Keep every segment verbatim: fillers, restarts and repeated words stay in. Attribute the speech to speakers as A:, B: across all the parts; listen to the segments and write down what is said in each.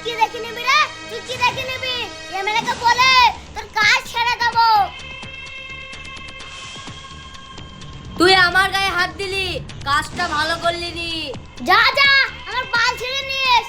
A: কি দেখে নিবি রে? তুই কি দেখে নিবি? এমএলএ কে বলে তোর কাজ ছেড়ে দেব।
B: তুই আমার গায়ে হাত দিলি, কাজটা ভালো করলি নি।
A: যা যা আমার বাল ছেড়ে নিস।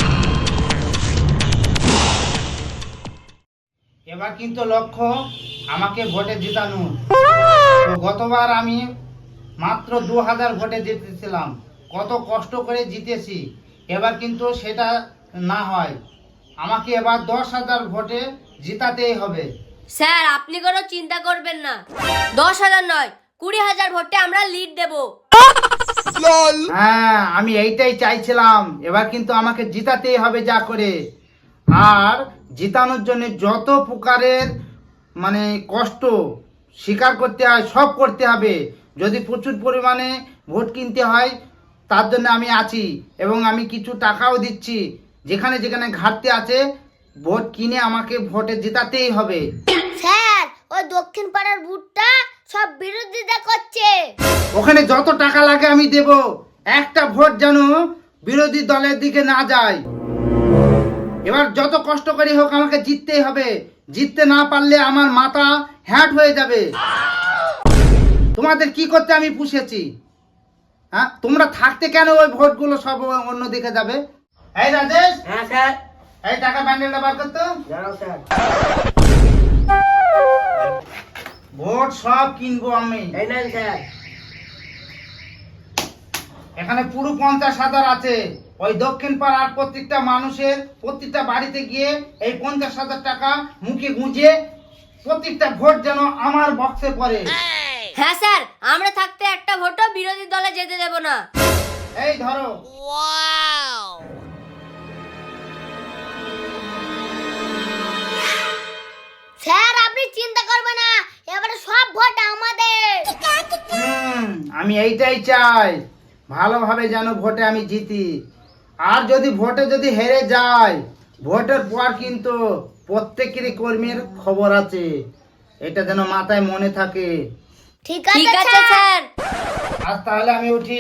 C: এবার কিন্তু লক্ষ্য আমাকে ভোটে জিতানো। তো গতবার আমি মাত্র দু হাজার ভোটে জিতেছিলাম, কত কষ্ট করে জিতেছি। এবার কিন্তু সেটা না হয়, আমাকে এবার দশ হাজার ভোটে জিতাতেই হবে।
B: স্যার আপনি কোনো চিন্তা করবেন না, দশ হাজার নয় কুড়ি হাজার ভোটে আমরা লিড দেব।
C: হ্যাঁ আমি এইটাই চাইছিলাম, এবার কিন্তু আমাকে জিতাতেই হবে যা করে। আর জিতানোর জন্য যত প্রকারের মানে কষ্ট স্বীকার করতে হয় সব করতে হবে। যদি প্রচুর পরিমাণে ভোট কিনতে হয় তার জন্য আমি আছি, এবং আমি কিছু টাকাও দিচ্ছি। যেখানে যেখানে ঘাটতি আছে ভোট কিনে আমাকে ভোটে জেতাতেই হবে।
A: স্যার ওই দক্ষিণ পাড়ার ভোটটা সব বিরোধিতা করছে।
C: ওখানে যত টাকা লাগে আমি দেব, একটা ভোট যেন বিরোধী দলের দিকে না যায়। এবার যত কষ্ট করে হোক আমাকে জিততেই হবে, জিততে না পারলে আমার মাথা হ্যাট হয়ে যাবে। তোমাদের কি করতে আমি পুষেছি? হ্যাঁ তোমরা থাকতে কেন ওই ভোটগুলো সব অন্য দিকে যাবে? এই রাজেশ,
D: হ্যাঁ স্যার।
C: এই টাকা ব্যান্ডেলটা বার করতো।
D: জানাও স্যার।
C: ভোট সব কিনবো আমি।
D: এই নেন স্যার।
C: এখানে পুরো পঞ্চাশ হাজার আছে। ওই দক্ষিণ পাড়ার প্রত্যেকটা মানুষের প্রত্যেকটা বাড়িতে গিয়ে এই পঞ্চাশ হাজার টাকা মুখে গুঁজে প্রত্যেকটা ভোট যেন আমার বক্সে পড়ে।
B: হ্যাঁ স্যার, আমরা থাকতে একটা ভোটও বিরোধী দলে যেতে দেব না।
C: এই ধরো।
A: স্যার আপনি চিন্তা করবেন না, এবারে সব ভোট আমাদের।
C: হুম, আমি এইটাই চাই, ভালোভাবে যেন ভোটে আমি জিতি। আর যদি ভোটে যদি হেরে যায়, ভোটের পর কিন্তু প্রত্যেকেরই কর্মীর খবর আছে, এটা যেন মাথায় মনে থাকে।
A: ঠিক
B: ঠিক
A: আছে
B: আছে স্যার।
C: আজ তাহলে আমি উঠি।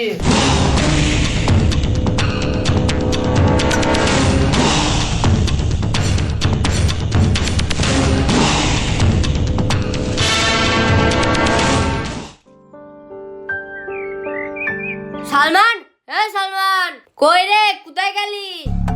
B: সালমান, এই সালমান, কই রে, কোথায় গেলি?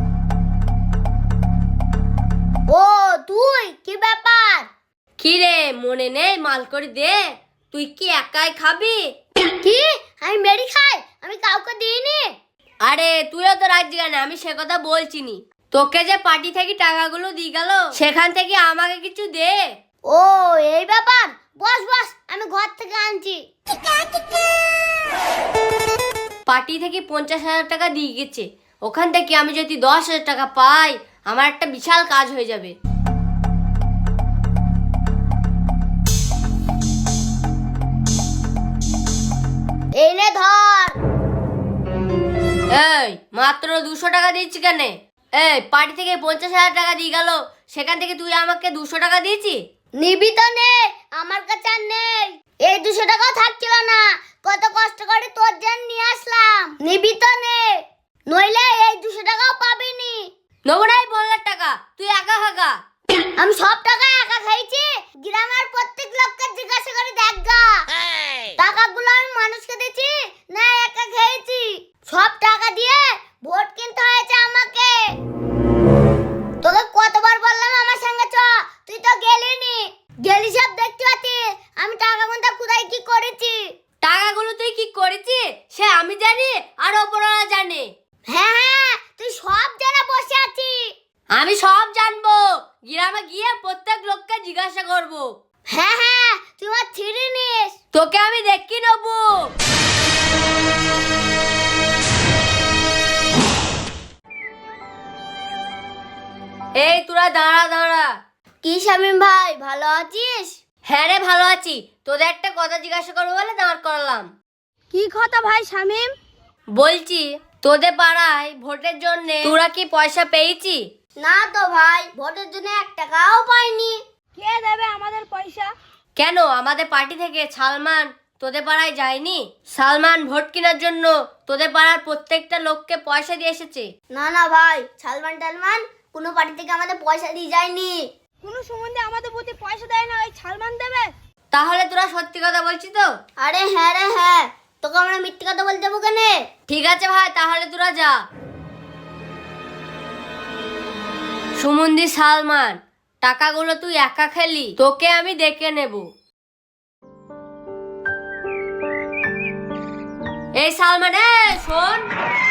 A: ও তুই কি ব্যাপার?
B: কি রে মনে নেই, মাল করে দে। তুই কি একাই খাবি?
A: কি আমি মেরি খাই? আমি কাউকে দিইনি।
B: আরে তুইও তো রাজি গানে, আমি সে কথা বলছি নি। তোকে যে পার্টি থেকে টাকাগুলো দিয়ে গেল, সেখান থেকে আমাকে কিছু দে।
A: ও এই ব্যাপার, বস বস আমি ঘর থেকে আনছি।
B: পার্টি থেকে পঞ্চাশ হাজার টাকা দিয়ে গেছে, ওখান থেকে আমি যদি দশ হাজার টাকা পাই আমার একটা বিশাল কাজ হয়ে যাবে।
A: এই নে ধর।
B: এই মাত্র দুশো টাকা দিচ্ছি কেন? এই পার্টি থেকে পঞ্চাশ হাজার টাকা দিয়ে গেল, সেখান থেকে তুই আমাকে দুশো টাকা দিয়েছি।
A: নিবি তো নে, আমার কাছে আর নেই। এই দুশো টাকাও থাকছিল না, কত কষ্ট করে তোর জন্য নিয়ে আসলাম। নিবি তো নে, নইলে এই দুশো টাকাও পাবি নি।
B: নেবো নাই পনেরো টাকা, তুই একা খাকা।
A: আমি সব টাকা একা খাইছি? গ্রামের প্রত্যেক লোককে জিজ্ঞাসা করে দেখগা, টাকাগুলো আমি মানুষকে দিয়েছি না একা খেয়েছি। সব টাকা দিয়ে ভোট কিনতে হয়েছে আমাকে। তোকে কতবার বললাম আমার সঙ্গে চ, তুই তো গেলি নি। গেলি সব দেখতে পাচ্ছি আমি টাকা গুনতে কোথায় কি করেছি।
B: টাকাগুলো তুই কি করেছিস সে আমি জানি, আর ওপরওয়ালা জানে।
A: হ্যাঁ হ্যাঁ তুই সব জায়গা বসে আছিস।
B: আমি সব জানবো, গ্রামে গিয়ে প্রত্যেক লোককে জিজ্ঞাসা করব।
A: হ্যাঁ হ্যাঁ তুই আমার ছিঁড়ে নিস।
B: তোকে আমি দেখি নেবো। এই তোরা দাঁড়া দাঁড়া।
A: কি শামিম ভাই ভালো আছিস?
B: হ্যাঁ রে ভালো আছি, তোদের একটা কথা জিজ্ঞাসা করবো বলে দাঁড় করলাম।
A: কি কথা ভাই শামিম?
B: বলছি তোদের পাড়ায় ভোটের জন্য তোরা কি পয়সা পেয়েছি?
A: না তো ভাই, ভোটের জন্য এক টাকাও পাইনি। কে দেবে আমাদের পয়সা?
B: কেন আমাদের পার্টি থেকে সালমান তোদের পাড়ায় যায়নি? সালমান ভোট কেনার জন্য তোদের পাড়ার প্রত্যেকটা লোককে পয়সা দিয়ে এসেছে।
A: না না ভাই, সালমান টালমান কোনো পার্টি থেকে আমাদের পয়সা দিয়ে যায়নি।
D: কোনো সম্বন্ধে আমাদের প্রতি পয়সা দেয় না, ওই সালমান দেবে।
B: তাহলে তোরা সত্যি কথা বলছিস তো?
A: আরে হ্যাঁ রে হ্যাঁ, তোকে আমরা মিথ্যে কথা বলতে যাবো কেন?
B: ঠিক আছে ভাই, তাহলে তোরা যা। সুমন্দি সালমান, টাকাগুলো তুই একা খেলি, তোকে আমি দেখে নেব। এই সালমান, এ শোন।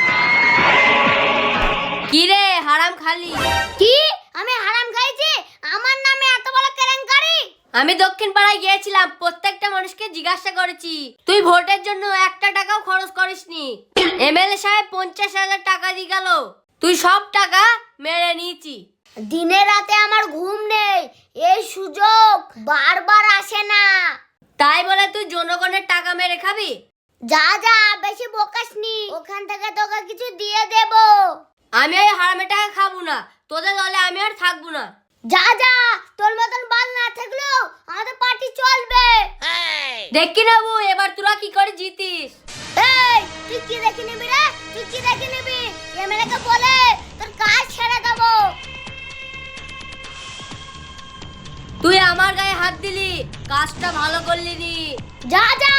B: কি রে হারাম খালি?
A: কি আমি হারাম খাইছি? আমার নামে এত বড় কেলেঙ্কারি?
B: আমি দক্ষিণ পাড়ায় গিয়েছিলাম, প্রত্যেকটা মানুষকে জিজ্ঞাসা করেছি, তুই ভোটের জন্য একটা টাকাও খরচ করিসনি। এমএলএ সাহেব পঞ্চাশ হাজার টাকা দিয়ে গেল, তুই সব টাকা মেরে নিয়েছি।
A: দিনে রাতে আমার ঘুম নেই, এই সুযোগ বারবার আসে না।
B: তাই বলে তুই জনগণের টাকা মেরে খাবি?
A: যা যা, বেশি বকাসনি, ওখান থেকে তোকে কিছু দিয়ে দেব।
B: আমি ওই হারামের টাকা খাবো না, তোদের দলে আমি আর থাকবো না।
A: যা যা, তোর মতন বাল না থাকলেও আমাদের পার্টি চলবে।
B: দেখি নেবো এবার তোরা কি করে জিতিস।
A: এই তুই কি দেখে নিবি রে? তুই কি দেখে নিবি? এমএলএ কে বলে তোর কাজ ছেড়ে দেব।
B: তুই আমার গায়ে হাত দিলি, কাজটা ভালো করলি নি।
A: যা যা,